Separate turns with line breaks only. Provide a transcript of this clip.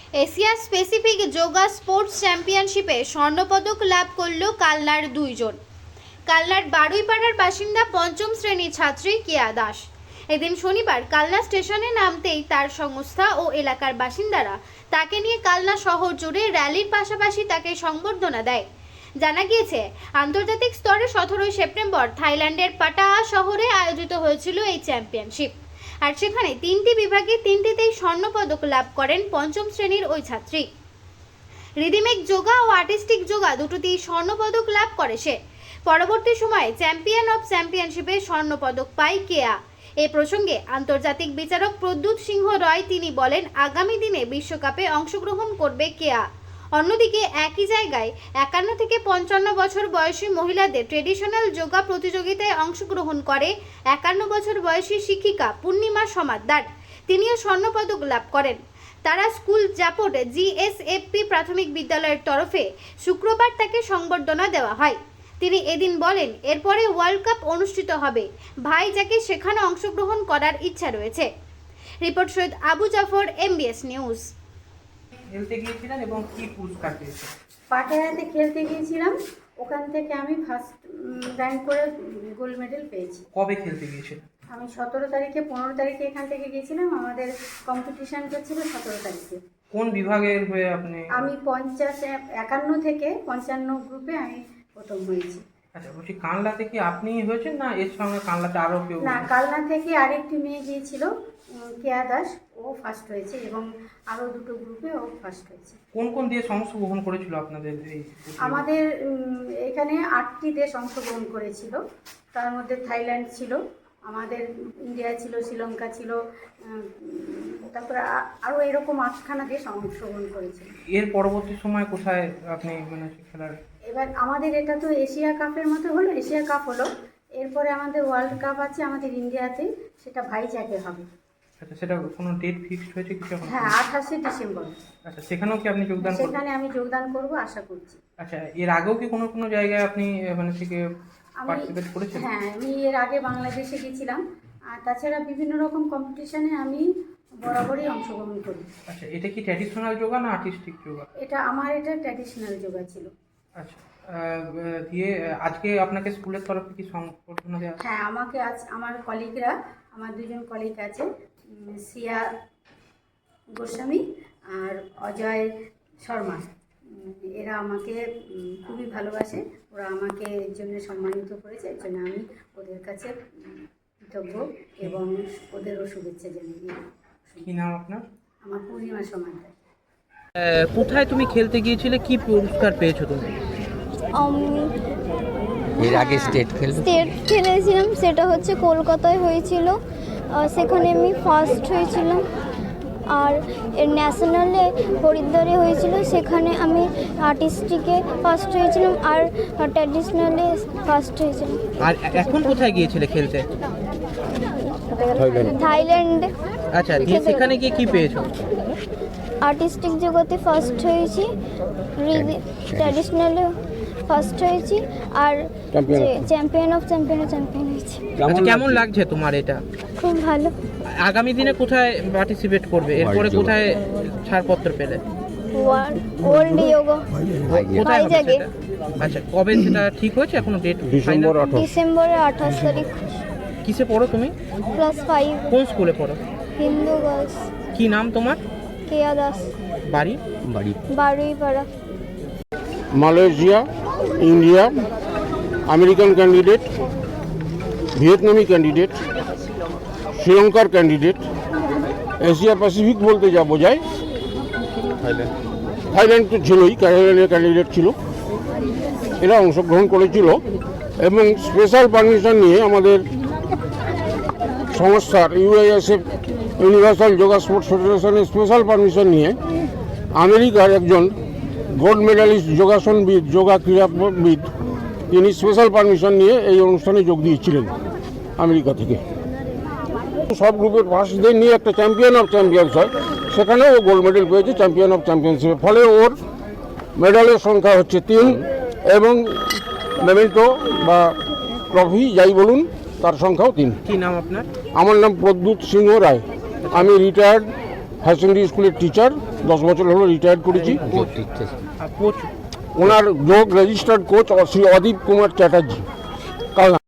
Asia specific yoga sports চ্যাম্পিয়নশিপে স্বর্ণপদক লাভ করল কালনার দুইজন। কালনার বারুইপাড়ার বাসিন্দা পঞ্চম শ্রেণীর ছাত্রী কেয়া দাস। এদিন শনিবার কালনা স্টেশনে নামতেই তার সংস্থা ও এলাকার বাসিন্দারা তাকে নিয়ে কালনা শহর জুড়ে র্যালির পাশাপাশি তাকে সংবর্ধনা দেয়। জানা গিয়েছে, আন্তর্জাতিক স্তরে 17 সেপ্টেম্বর থাইল্যান্ডের পাটায়া শহরে আয়োজিত হয়েছিল এই চ্যাম্পিয়নশিপ। আর সেখানে 3টি বিভাগে 3টিতেই স্বর্ণপদক লাভ করেন পঞ্চম শ্রেণীর ওই ছাত্রী। রিদিমেক যোগা ও আর্টিস্টিক যোগা দুটোতেই স্বর্ণপদক লাভ করে সে। পরবর্তী সময়ে চ্যাম্পিয়ন অফ চ্যাম্পিয়নশিপে স্বর্ণপদক পায় কেয়া। এ প্রসঙ্গে আন্তর্জাতিক বিচারক প্রদ্যুৎ সিংহ রয় তিনি বলেন, আগামী দিনে বিশ্বকাপে অংশগ্রহণ করবে কেয়া। অন্যদিকে একই জায়গায় 51 থেকে 55 বছর বয়সী মহিলাদের ট্রেডিশনাল যোগা প্রতিযোগিতায় অংশগ্রহণ করে 51 বছর বয়সী শিক্ষিকা পূর্ণিমা সমাদ্দার। তিনিও স্বর্ণপদক লাভ করেন। তারা স্কুল জাপট জিএসএফপি প্রাথমিক বিদ্যালয়ের তরফে শুক্রবার তাকে সংবর্ধনা দেওয়া হয়। তিনি এদিন বলেন, এরপরে ওয়ার্ল্ড কাপ অনুষ্ঠিত হবে। ভাই যাকে সেখানে অংশগ্রহণ করার ইচ্ছা রয়েছে। Report Syed Abu Jafar, MBS news.
খেলতে গিয়েছিলেন এবং কি পুরস্কার পেয়েছেন?
পাটায়াতে খেলতে গিয়েছিলাম, ওখান থেকে আমি ফার্স্ট র্যাঙ্ক করে গোল্ড মেডেল পেয়েছি।
কবে খেলতে গিয়েছিলেন?
আমি 17 তারিখে 15 তারিখে এখান থেকে গিয়েছিলাম। আমাদের কম্পিটিশানটা ছিল 17 তারিখে।
কোন বিভাগের হয়ে আপনি?
আমি 51 থেকে 55 গ্রুপে আমি প্রথম হয়েছি।
আচ্ছা, বলছি কানলাতে কি আপনি হয়েছেন না এর সঙ্গে কানলাতে আরও কেউ?
না, কালনা থেকে আরেকটি মেয়ে গিয়েছিল, কেয়া দাস, ও ফার্স্ট হয়েছে এবং আরও দুটো গ্রুপে ও ফার্স্ট হয়েছে।
কোন কোন দেশ অংশগ্রহণ করেছিল আপনাদের এই?
আমাদের এখানে 8টি দেশ অংশগ্রহণ করেছিল। তার মধ্যে থাইল্যান্ড ছিল, আমাদের ইন্ডিয়া ছিল, শ্রীলঙ্কা ছিল, তারপরে আরও এরকম 8খানা দেশ অংশগ্রহণ করেছিল।
এর পরবর্তী সময় কোথায় আপনি খেলার?
এবার আমাদের এটা তো এশিয়া কাপের মতো হলো, এশিয়া কাপ হলো, এরপরে আমাদের ওয়ার্ল্ড কাপ আছে আমাদের ইন্ডিয়াতে, সেটা ভাইজ্যাগে হবে।
আচ্ছা, সেটা কোনো ডেট ফিক্সড হয়েছে কিছু এখন?
হ্যাঁ, 28শে ডিসেম্বর।
আচ্ছা, সেখানেও কি আপনি যোগদান করবেন?
সেখানে আমি যোগদান করব আশা করছি।
আচ্ছা, এর আগেও কি কোনো জায়গায় আপনি থেকে পার্টিসিপেট করেছেন?
হ্যাঁ, আমি এর আগে বাংলাদেশে গেছিলাম, আর তাছাড়া বিভিন্ন রকম কম্পিটিশনে আমি বরাবরই অংশগ্রহণ করি।
আচ্ছা, এটা কি ট্র্যাডিশনাল যোগা না আর্টিস্টিক যোগা?
এটা ট্র্যাডিশনাল যোগা ছিল।
আচ্ছা, দিয়ে আজকে আপনাকে স্কুলের তরফে কি সংবর্ধনা দেওয়া?
হ্যাঁ, আমাকে আজ আমার কলিগরা, আমার দুজন কলিগ আছে, সিয়া গোস্বামী আর অজয় শর্মা, এরা আমাকে খুবই ভালোবাসে। ওরা আমাকে এর জন্য সম্মানিত করেছে, এর জন্য আমি ওদের কাছে কৃতজ্ঞ এবং ওদেরও শুভেচ্ছা জানিয়ে দিই।
কি নাম আপনার?
আমার পূর্ণিমা সমাদ্দার।
কোথায় তুমি খেলতে গিয়েছিলে, কি পুরস্কার পেয়েছো তুমি?
এর আগে স্টেট
খেলেছিলাম, সেটা হচ্ছে কলকাতায় হয়েছিল, সেখানে আমি ফার্স্ট হয়েছিলাম। আর ন্যাশনালে হরিদ্বারে হয়েছিল, সেখানে আমি আর্টিস্টিকে ফার্স্ট হয়েছিলাম আর ট্র্যাডিশনালে ফার্স্ট হয়েছিলাম।
আর এখন কোথায় গিয়েছিলে খেলতে?
থাইল্যান্ডে।
আচ্ছা, দিয়ে সেখানে গিয়ে কি পেয়েছো?
আর্টিস্টিক জগতে ফার্স্ট হয়েছি, ট্র্যাডিশনালে ফার্স্ট হয়েছি, আর চ্যাম্পিয়ন অফ চ্যাম্পিয়ন হয়েছি।
আচ্ছা, কেমন লাগছে তোমার এটা?
খুব ভালো।
আগামী দিনে কোথায় পার্টিসিপেট করবে? এরপরে কোথায় ছাড়পত্র পেলে?
ওয়ার্ল্ড যোগা
কোথায় হবে
ভাইজ্যাগে।
সেটা? আচ্ছা, কবে সেটা ঠিক হয়েছে এখনো ডেট?
ডিসেম্বরের 28 তারিখ।
কিসে পড়ো তুমি?
ক্লাস 5।
কোন স্কুলে পড়ো?
হিন্দু গার্লস।
কি নাম তোমার?
কেয়া দাস।
বাড়ি?
Baruipara.
Malaysia, India, American candidate, Vietnamese candidate, শ্রীলঙ্কার ক্যান্ডিডেট, এশিয়া প্যাসিফিক বলতে যা বোঝায় থাইল্যান্ড তো ছিলই, থাইল্যান্ডের ক্যান্ডিডেট ছিল, এরা অংশগ্রহণ করেছিল। এবং স্পেশাল পারমিশন নিয়ে আমাদের সংস্থার UISF, ইউনিভার্সাল যোগা স্পোর্টস ফেডারেশনের স্পেশাল পারমিশন নিয়ে আমেরিকার একজন গোল্ড মেডালিস্ট যোগাসনবিদ, যোগা ক্রীড়াবিদ, তিনি স্পেশাল পারমিশন নিয়ে এই অনুষ্ঠানে যোগ দিয়েছিলেন আমেরিকা থেকে। সব গ্রুপের ফার্স্টদের নিয়ে একটা চ্যাম্পিয়ন অফ চ্যাম্পিয়ন্স হয়, সেখানেও ও গোল্ড মেডেল পেয়েছে চ্যাম্পিয়ন অফ চ্যাম্পিয়নশিপে। ফলে ওর মেডেলের সংখ্যা হচ্ছে 3 এবং মেমেন্টো বা ট্রফি যাই বলুন তার সংখ্যাও 3।
কি নাম আপনার?
আমার নাম প্রদ্যুৎ সিংহ রায়, আমি রিটায়ার্ড হায়ার সেকেন্ডারি স্কুলের টিচার, 10 বছর হলো রিটায়ার্ড করেছি।
কোচ
ওনার যোগ রেজিস্টার্ড কোচ শ্রী অদীপ কুমার চ্যাটার্জি।